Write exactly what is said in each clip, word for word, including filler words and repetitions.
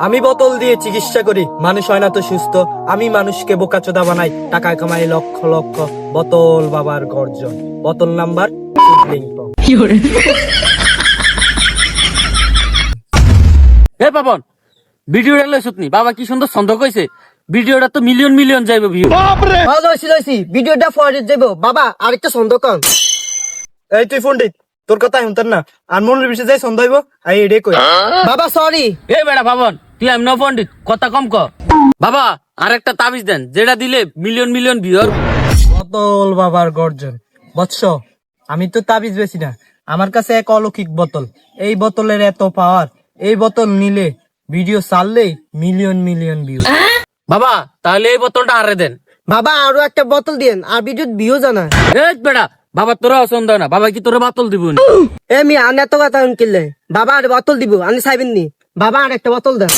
আমি বোতল দিয়ে চিকিৎসা করি, মানুষ হয় না তো সুস্থ। আমি মানুষকে বোকাচোদা বানাই, টাকা কামাই লক্ষ লক্ষ। বোতল বাবার গর্জন, বোতল নাম্বার চুদলিংপং। হে পাবন, ভিডিওটা লইছত নি? বাবা কি সুন্দর ছন্দ কইছে, ভিডিওটা তো মিলিয়ন মিলিয়ন যাইব ভিউ। লইছি লইছি ভিডিওটা ফরওয়ার্ড যাইবো। বাবা আরেকটা ছন্দ কন। এই তুই পণ্ডিত, তোর কথা শুনতেন না। আর মনের বিষয়ে যাই ছন্দ হইব, আই এডে কই। বাবা সরি। এ বেটা পাবন, তুই এমন পণ্ডিত, কথা কম ক। বাবা আরেকটা তাবিজ দেন, যেটা দিলে মিলিয়ন মিলিয়ন ভিউর। বোতল বাবার গর্জন। বৎস, আমি তো তাবিজ বেশি না, আমার কাছে এক অলৌকিক বোতল। এই বোতলের এত পাওয়ার, এই বোতল নিলে ভিডিও ছাড়লেই মিলিয়ন মিলিয়ন ভিউ। বাবা তাহলে এই বোতলটা আরে দেন। বাবা আরো একটা বোতল দিয়েন, আর ভিডিও ভিউ জানা। এ বেটা, বাবা তোরা অসন্দ না, বাবা কি তোরা বোতল দিব না? এ মি আন এত কথা কিনলে বাবা আর বোতল দিব, আমি চাইবেন নি? বাবা আর একটা বোতল দেন।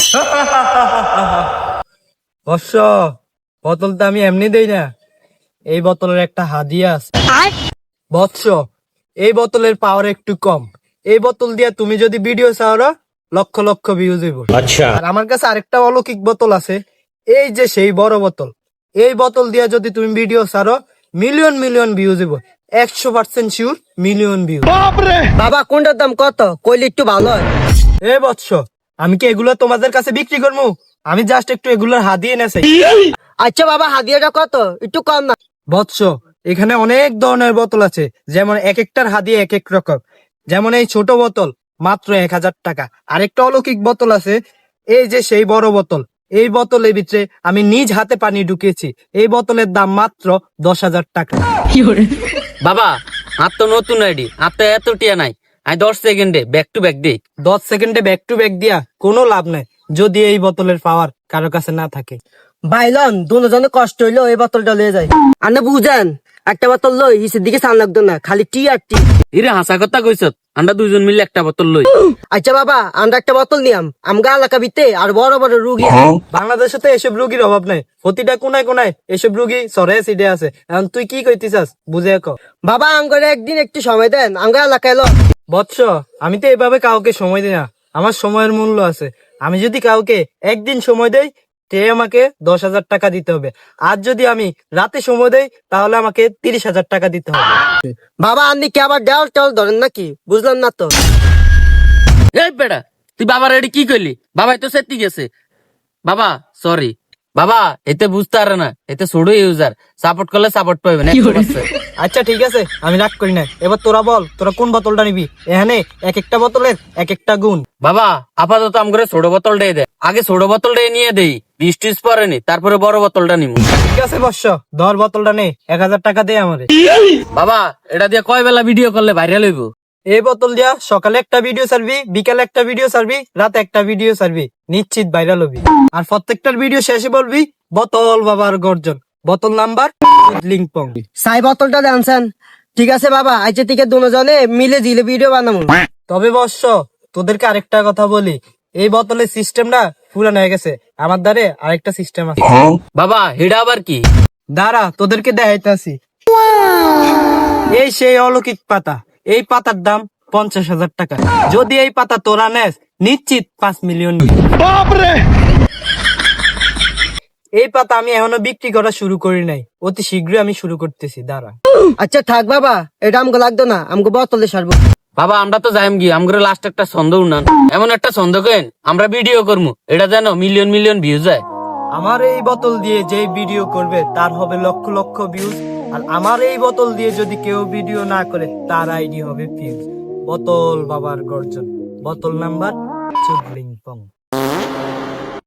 বৎস, বোতলটা আমি এমনি দেই না, এই বোতলের একটা হাদিয়া আছে। বৎস, এই বোতলের পাওয়ার একটু কম। এই বোতল দিয়া তুমি যদি ভিডিও চাও, লক্ষ লক্ষ ভিউজ হইব। আচ্ছা। আর আমার কাছে আরেকটা অলৌকিক বোতল আছে, এই যে সেই বড় বোতল। এই বোতল দিয়া যদি তুমি ভিডিও ছাড়ো, মিলিয়ন মিলিয়ন ভিউজ হইব। একশো পার্সেন্ট শিওর মিলিয়ন ভিউ। বাবা কোনটার দাম কত কইলে একটু ভালো হয়। এ বৎস, আমি কি এগুলো তোমাদের কাছে বিক্রি করবো? আমি জাস্ট একটু এগুলোর হাদিয়ে নেছি। আচ্ছা বাবা, হাদিয়াটা কত? একটু কম না? বৎস, এখানে অনেক ধরনের বোতল আছে, যেমন এক একটার হাদিয়া এক এক রকম। যেমন এই ছোট বোতল মাত্র এক হাজার টাকা। আরেকটা অলৌকিক বোতল আছে, এই যে সেই বড় বোতল। এই বোতলের ভিতরে আমি নিজ হাতে পানি ঢুকিয়েছি। এই বোতলের দাম মাত্র দশ হাজার টাকা। বাবা আর তো নতুন আইডি, আর তো এত টিয়া নাই। আমি দশ সেকেন্ডে ব্যাক টু ব্যাক দিই। দশ সেকেন্ডে ব্যাক টু ব্যাক দিয়া কোনো লাভ নাই, যদি এই বোতলের পাওয়ার কারো কাছে না থাকে। বাইলন দুজনে কষ্ট হইলো, এই বোতলটা লয়ে যায়। আনে বুঝেন, একটা বোতল লই হিসের দিকে সান লাগতো না, খালি টি আর টি। ইরে হাসা কথা কইছ, আমরা দুজন মিলে একটা বোতল লই। আচ্ছা বাবা, আমরা একটা বোতল নিয়াম। আমগা এলাকা ভিত্তে আর বড় বড় রুগী। বাংলাদেশে তো এসব রুগীর অভাব নাই, প্রতিটা কোনায় কোনায় এসব রুগী সরে সিডে আছে। এখন তুই কি কইতিছাস বুঝে ক। বাবা আঙ্গরে একদিন একটু সময় দেন, আমগা এলাকায় লো। বৎস, আমি তো এভাবে কাউকে সময় দিই না, আমার সময়ের মূল্য আছে। আমি যদি কাউকে একদিন সময় দেই, তে আমাকে দশ হাজার টাকা দিতে হবে। আর যদি আমি রাতে সময় দেই, তাহলে আমাকে তিরিশ হাজার টাকা দিতে হবে। বাবা আপনি কি আবার দেওয়াল টেওয়াল ধরেন নাকি? বুঝলাম না তো। এই বেটা, তুই বাবার এডি কি কইলি? বাবাই তো সেতি গেছে। বাবা সরি। বাবা এতে বুঝতে পারে না, এতে ছোট ইউজার, সাপোর্ট করলে সাপোর্ট পাবে না। আচ্ছা ঠিক আছে, আমি রাগ করি না। এবার তোরা বল, তোরা কোন বোতলটা নিবি? এখানে এক একটা বোতলের এক একটা গুণ। বাবা আপাতত আমগরে ছোট বোতলটাই দে, আগে ছোট বোতলটাই নিয়ে দেই, বিশ টিস পরে নি, তারপরে বড় বোতলটা নিবো। ঠিক আছে বর্ষ, ধর বোতলটা নে, এক হাজার টাকা দে আমারে। বাবা এটা দিয়ে কয় বেলা ভিডিও করলে ভাইরাল হইব? এই বোতল দিয়া সকালে একটা ভিডিও ছাড়বি, বিকালে একটা ভিডিও ছাড়বি, রাতে একটা ভিডিও ছাড়বি, নিশ্চিত ভাইরাল হবি। আর প্রত্যেকটার ভিডিও শেষে বলবি বোতল বাবার গর্জন, বোতল নাম্বার লিংপং। সাই বোতলটা জানছেন? ঠিক আছে বাবা, আইছে থেকে দুজনে মিলে জিলে ভিডিও বানাবো। তবে বর্ষ, তোদেরকে আরেকটা কথা বলি, এই বোতলের সিস্টেমটা পুরান হয়ে গেছে, আমার দ্বারে আরেকটা সিস্টেম আছে। বাবা হেডা আবার কি? দাঁড়া তোদেরকে দেখাইতেছি। এই সেই অলৌকিক পাতা, এই পাতার দাম পঞ্চাশ হাজার টাকা। যদি এই পাতা তোরা নেস, নিশ্চিত পাঁচ মিলিয়ন। এই পাতা আমি এখনো বিক্রি করা শুরু করি নাই, অতি শীঘ্রই আমি শুরু করতেছি, দাঁড়া। আচ্ছা থাক বাবা, এটা আমাকে লাগতো না, আমাকে বোতলে সারবো। বাবা আমরা তো যাইম গিয়ে, আমগরে লাস্ট একটা ছন্দ উনান, এমন একটা ছন্দ কেন আমরা ভিডিও করবো, এটা যেন মিলিয়ন মিলিয়ন ভিউ যায়। আমার এই বোতল দিয়ে যে ভিডিও করবে তার হবে লক্ষ লক্ষ ভিউজ। আর আমার এই বোতল দিয়ে যদি কেউ ভিডিও না করে, তার আইডি হবে ফিউজ। বোতল বাবার গর্জন, বোতল নাম্বার চুদলিংপং।